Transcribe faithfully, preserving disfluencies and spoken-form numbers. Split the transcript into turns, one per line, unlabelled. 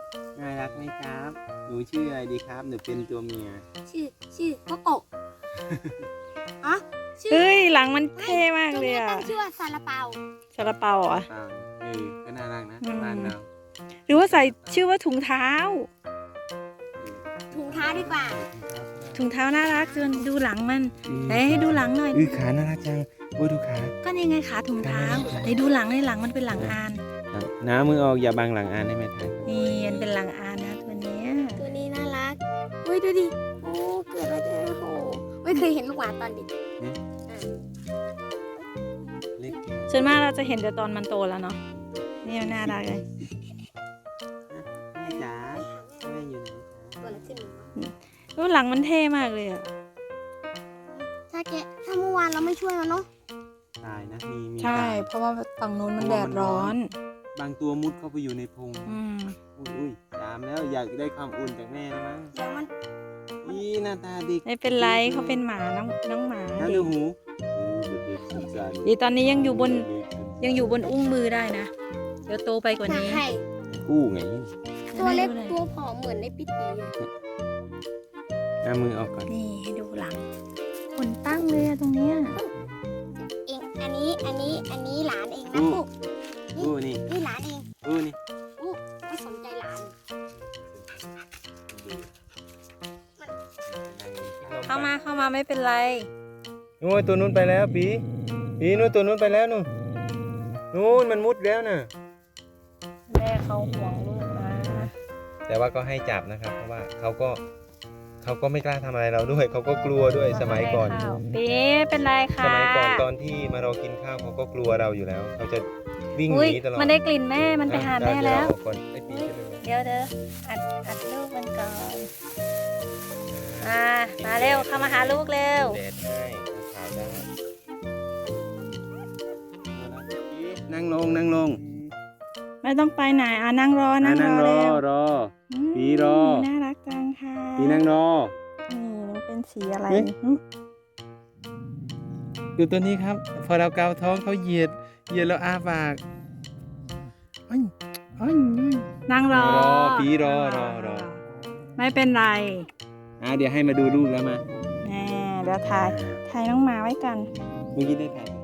น่ารักไหมครับหนูชื่ออะไรดีครับหนูเป็นตัวเมีย
ชื่อชื่อโกโกะอ๋อชื่อ
เฮ้ยหลังมันเท่มาก
ตัว
เลย
นี้
อะ
ตั้งชื่อว่าซาลาเปา
ซาลาเปาเหรอ
อ่าเออก็น่ารักนะ
อืม
บ้านเรา
หรือว่าใส่ชื่อว่าถุงเท้า
ถุงเท้าดีกว่า
ถุงเท้าน่ารักจนดูหลังมันไหนให้ดูหลังหน่อย
อือขาน่ารักจังโอ้ดูขา
ก็นี่ไงขาถุงเท้าไหนดูหลังในหลังมันเป็นหลังอาน
น้ามือออกอย่าบังหลังอ่านได้ไหมท่าน
นี่มันเป็นหลังอานนะตัวเนี้ย
ตัวนี้น่ารักเฮ้ยดูดิโอ้เกิดมาเจอโอ้ไม่เคยเห็นลูกหมาตอนเด็กอ่ะ
เล็ก
ส่วนมากเราจะเห็นแต่ตอนมันโตแล้วเนาะนี่มันน่ารักเลย
แม่จ๋าแม่อยู่ไหน
ตัวอะไรขึ้นมาวะ
ดูหลังมันเท่มากเลยอะ
ถ้าแกถ้าเมื่อวานเราไม่ช่วยมันเนาะ
ตายนะมีมี
ใช่
ตาย
เพราะว่าฝั่งนู้นมันแดดร้อน
บางตัวมุดเข้าไปอยู่ในพง
อืม
อุ้ยอุ้ยตามแล้วอยากได้ความอุ่นจากแม่แล้วมั้ง
เดี๋ยวมัน
อีหน้าตาเด็ก
ไม่เป็นไรเขาเป็นหมาน้องน้องหมา
น้า
ดิ
ดูหูหูเด็กสุดสัน
ดีตอนนี้ยังอยู่บนยังอยู่บนอุ้งมือได้นะ เดี๋ยวโตไปกว่านี้
ใช่
กู้ไง
ตัวเล็ก
ให้ดูหน่อย
ตัวผอมเหมือนในปิตีอะ
น้ามือออกก่อน
นี่ให้ดูหลังขนตั้งเลยอะตรงเนี้ย
เองอันนี้อันนี้อันนี้หลานเองนะปุ๊
กู้นี่
นี่หลานเอง
กู้นี่
ปุ๊ไม่สนใจหลาน
เข้ามาเข้ามาไม่เป็นไร
นู้นตัวนู้นไปแล้วปีปีนู้นตัวนู้นไปแล้วนู่นนู้นมันมุดแล้วน่ะ
แม่เขาห่วงลูกนะ
แต่ว่าก็ให้จับนะครับ เพราะว่าเขาก็เขาก็ไม่กล้าทำอะไรเราด้วยเขาก็กลัวด้วยสมัยก่อน
ปีเป็นไรคะ
สมัยก่อนตอนที่มารอกินข้าวเขาก็กลัวเราอยู่แล้ว เขาจะวิ่งห
อุ้ย
นีตลอด
มันได้กลิ่นแม่มันไปหาแม่
เดี๋ย
แล้ว
เดี๋ยเอาก่อนไอ้ปีใช่ไหม
เดี๋ยวเดี๋ยวอัดอัดลูกมันก่อนมามาเร็วเข้ามาหาลูกเร็ว
แดดให้ขาวได้นั่งลงนั่งลง
ไม่ต้องไปไหนอ่ะนั่งรอนั่งร
นั่
อง
รอ
เร็ว
รอ
ม
ปีรอ
น่ารักจังค่ะ
ปีนั่งรอ
นี่มันเป็นสีอะไร
เอ๊ะ
หึ
ดูตัวนี้ครับ พอเราเกาท้องเขาเหยียดเหยียดแล้วอ้าปากอ้อยอ้อยอ้อย
นั่งรอ
รอปีรอรอรอ
ไม่เป็นไร
อ่าเดี๋ยวให้มาดูลูกแล้วมา
แน่เดี๋ยวถ่ายถ่ายน้องหมาไว้กัน
เมื่อกี้ได้ถ่าย